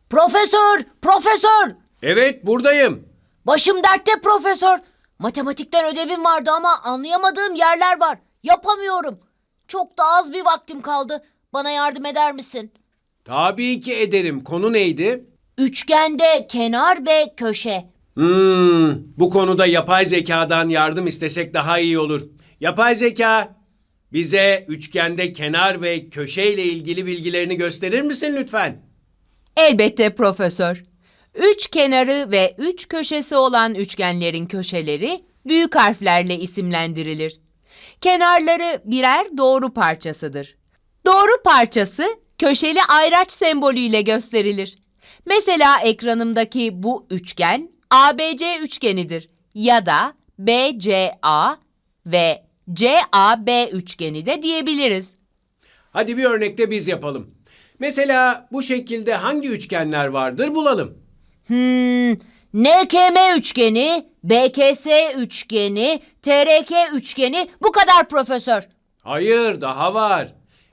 Profesör, profesör. Evet, buradayım. Başım dertte profesör. Matematikten ödevim vardı ama anlayamadığım yerler var. Yapamıyorum. Çok da az bir vaktim kaldı. Bana yardım eder misin? Tabii ki ederim. Konu neydi? Üçgende kenar ve köşe. Bu konuda yapay zekadan yardım istesek daha iyi olur. Yapay zeka, bize üçgende kenar ve köşe ile ilgili bilgilerini gösterir misin lütfen? Elbette profesör. Üç kenarı ve üç köşesi olan üçgenlerin köşeleri büyük harflerle isimlendirilir. Kenarları birer doğru parçasıdır. Doğru parçası köşeli ayraç sembolüyle gösterilir. Mesela ekranımdaki bu üçgen ABC üçgenidir ya da BCA ve CAB üçgeni de diyebiliriz. Hadi bir örnekte biz yapalım. Mesela bu şekilde hangi üçgenler vardır bulalım. NKM üçgeni, BKS üçgeni, TRK üçgeni bu kadar profesör. Hayır, daha var.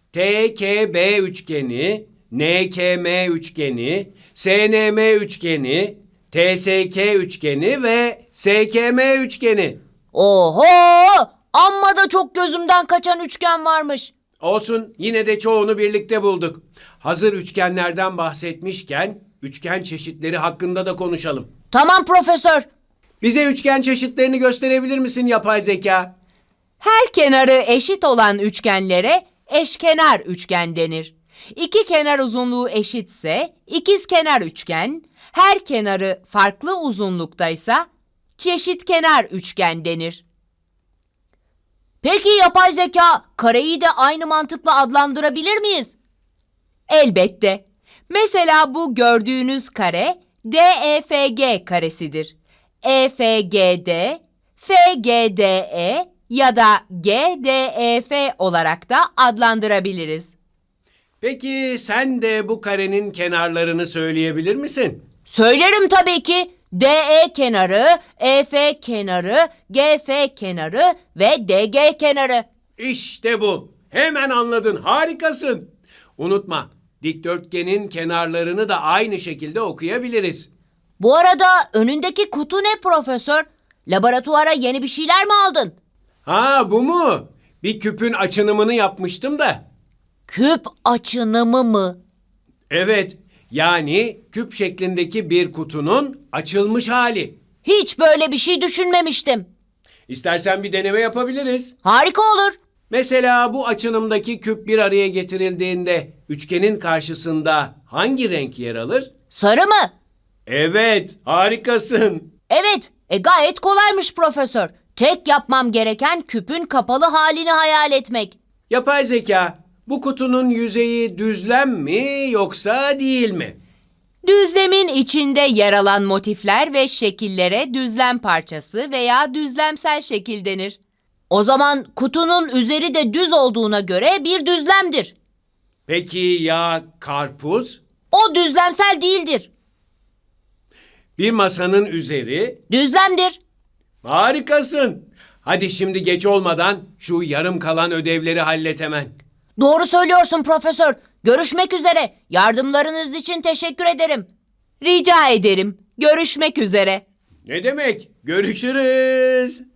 TKB üçgeni, NKM üçgeni, SNM üçgeni, TSK üçgeni ve SKM üçgeni. Oho! Amma da çok gözümden kaçan üçgen varmış. Olsun, yine de çoğunu birlikte bulduk. Hazır üçgenlerden bahsetmişken üçgen çeşitleri hakkında da konuşalım. Tamam profesör. Bize üçgen çeşitlerini gösterebilir misin yapay zeka? Her kenarı eşit olan üçgenlere eşkenar üçgen denir. İki kenar uzunluğu eşitse ikizkenar üçgen, her kenarı farklı uzunluktaysa çeşitkenar üçgen denir. Peki yapay zeka kareyi de aynı mantıkla adlandırabilir miyiz? Elbette. Mesela bu gördüğünüz kare DEFG karesidir. EFGD, FGDE ya da GDEF olarak da adlandırabiliriz. Peki sen de bu karenin kenarlarını söyleyebilir misin? Söylerim tabii ki. DE kenarı, EF kenarı, GF kenarı ve DG kenarı. İşte bu. Hemen anladın. Harikasın. Unutma, dikdörtgenin kenarlarını da aynı şekilde okuyabiliriz. Bu arada önündeki kutu ne profesör? Laboratuvara yeni bir şeyler mi aldın? Ha, bu mu? Bir küpün açınımını yapmıştım da. Küp açınımı mı? Evet, yani küp şeklindeki bir kutunun açılmış hali. Hiç böyle bir şey düşünmemiştim. İstersen bir deneme yapabiliriz. Harika olur. Mesela bu açınımdaki küp bir araya getirildiğinde üçgenin karşısında hangi renk yer alır? Sarı mı? Evet, harikasın. Evet, gayet kolaymış profesör. Tek yapmam gereken küpün kapalı halini hayal etmek. Yapay zeka, bu kutunun yüzeyi düzlem mi yoksa değil mi? Düzlemin içinde yer alan motifler ve şekillere düzlem parçası veya düzlemsel şekil denir. O zaman kutunun üzeri de düz olduğuna göre bir düzlemdir. Peki ya karpuz? O düzlemsel değildir. Bir masanın üzeri? Düzlemdir. Harikasın. Hadi şimdi geç olmadan şu yarım kalan ödevleri hallet hemen. Doğru söylüyorsun profesör. Görüşmek üzere. Yardımlarınız için teşekkür ederim. Rica ederim. Görüşmek üzere. Ne demek? Görüşürüz.